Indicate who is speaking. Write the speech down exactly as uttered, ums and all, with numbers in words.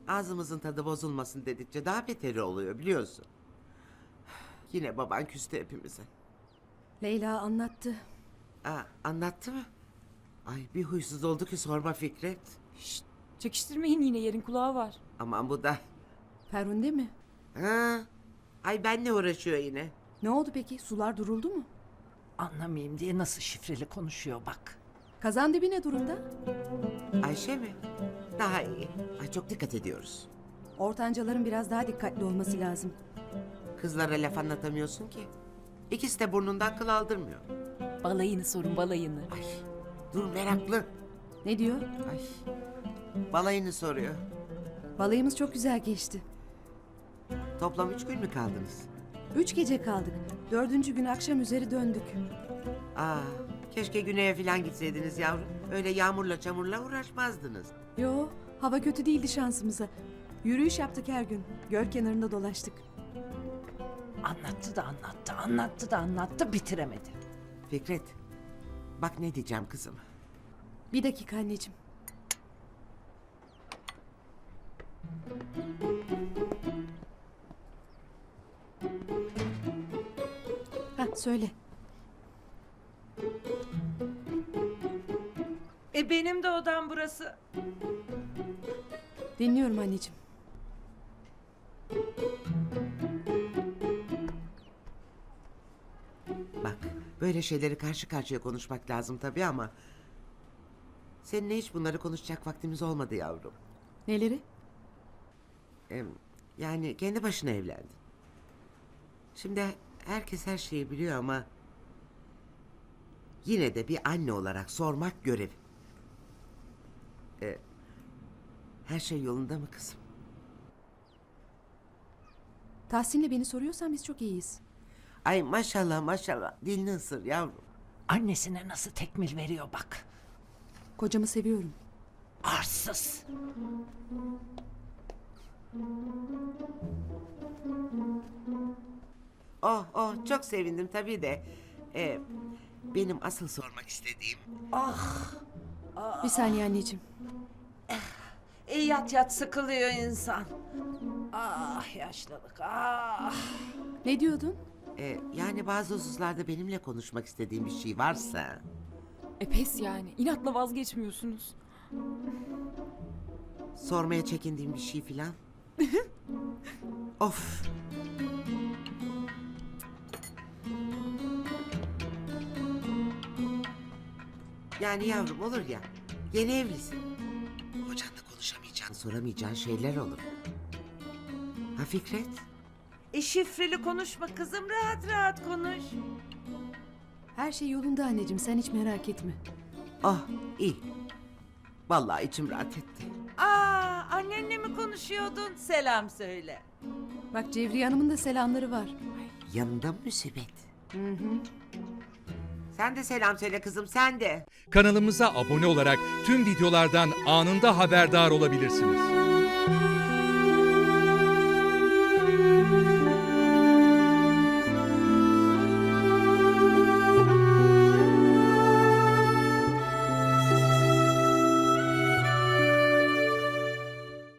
Speaker 1: Ağzımızın tadı bozulmasın dedikçe daha beteri oluyor biliyorsun. Yine baban küstü hepimize.
Speaker 2: Leyla anlattı.
Speaker 1: Aa, anlattı mı? Ay bir huysuz oldu ki sorma Fikret.
Speaker 3: Şşt, çekiştirmeyin, yine yerin kulağı var.
Speaker 1: Aman bu da.
Speaker 2: Ferhunde mi?
Speaker 1: Ha? Ay benle uğraşıyor yine.
Speaker 2: Ne oldu peki? Sular duruldu mu?
Speaker 4: Anlamayayım diye nasıl şifreli konuşuyor bak.
Speaker 2: Kazan dibi ne durumda?
Speaker 1: Ayşe mi? Daha iyi. Ay çok dikkat ediyoruz.
Speaker 2: Ortancaların biraz daha dikkatli olması lazım.
Speaker 1: Kızlara laf anlatamıyorsun ki. İkisi de burnundan kıl aldırmıyor.
Speaker 3: Balayını sorun, balayını.
Speaker 1: Ay dur meraklı.
Speaker 2: Ne diyor?
Speaker 1: Ay balayını soruyor.
Speaker 2: Balayımız çok güzel geçti.
Speaker 1: Toplam üç gün mü kaldınız?
Speaker 2: Üç gece kaldık. Dördüncü gün akşam üzeri döndük.
Speaker 1: Aa, keşke güneye falan gitseydiniz yavrum. Öyle yağmurla çamurla uğraşmazdınız.
Speaker 2: Yo, hava kötü değildi şansımıza. Yürüyüş yaptık her gün. Göl kenarında dolaştık.
Speaker 4: Anlattı da anlattı, anlattı da anlattı, bitiremedi.
Speaker 1: Fikret, bak ne diyeceğim kızım.
Speaker 2: Bir dakika anneciğim. Ha söyle.
Speaker 5: E benim de odam burası.
Speaker 2: Dinliyorum anneciğim.
Speaker 1: Bak, böyle şeyleri karşı karşıya konuşmak lazım tabii ama... Seninle hiç bunları konuşacak vaktimiz olmadı yavrum.
Speaker 2: Neleri?
Speaker 1: Em, yani kendi başına evlendin. Şimdi herkes her şeyi biliyor ama... Yine de bir anne olarak sormak görev. E, her şey yolunda mı kızım?
Speaker 2: Tahsin'le beni soruyorsan biz çok iyiyiz.
Speaker 1: Ay maşallah maşallah dilini ısır yavrum.
Speaker 4: Annesine nasıl tekmil veriyor bak.
Speaker 2: Kocamı seviyorum.
Speaker 4: Arsız.
Speaker 1: Oh oh çok sevindim tabii de. E, benim asıl sormak istediğim...
Speaker 2: Bir saniye anneciğim.
Speaker 5: E yat yat sıkılıyor insan.
Speaker 4: Ah yaşlılık, ah.
Speaker 2: Ne diyordun?
Speaker 1: e, yani bazı hususlarda benimle konuşmak istediğim bir şey varsa...
Speaker 3: E pes yani, inatla vazgeçmiyorsunuz.
Speaker 1: Sormaya çekindiğim bir şey filan. Of. Yani yavrum olur ya, yeni evlisin. Kocanla konuşamayacağın, soramayacağın şeyler olur. Ha Fikret?
Speaker 5: E şifreli konuşma kızım, rahat rahat konuş.
Speaker 2: Her şey yolunda anneciğim, sen hiç merak etme.
Speaker 1: Ah iyi. Vallahi içim rahat etti.
Speaker 5: Aa, annenle mi konuşuyordun? Selam söyle.
Speaker 2: Bak Cevriye Hanım'ın da selamları var.
Speaker 1: Yanında mı musibet? Hı hı. Sen de selam söyle kızım, sen de.
Speaker 6: Kanalımıza abone olarak tüm videolardan anında haberdar olabilirsiniz.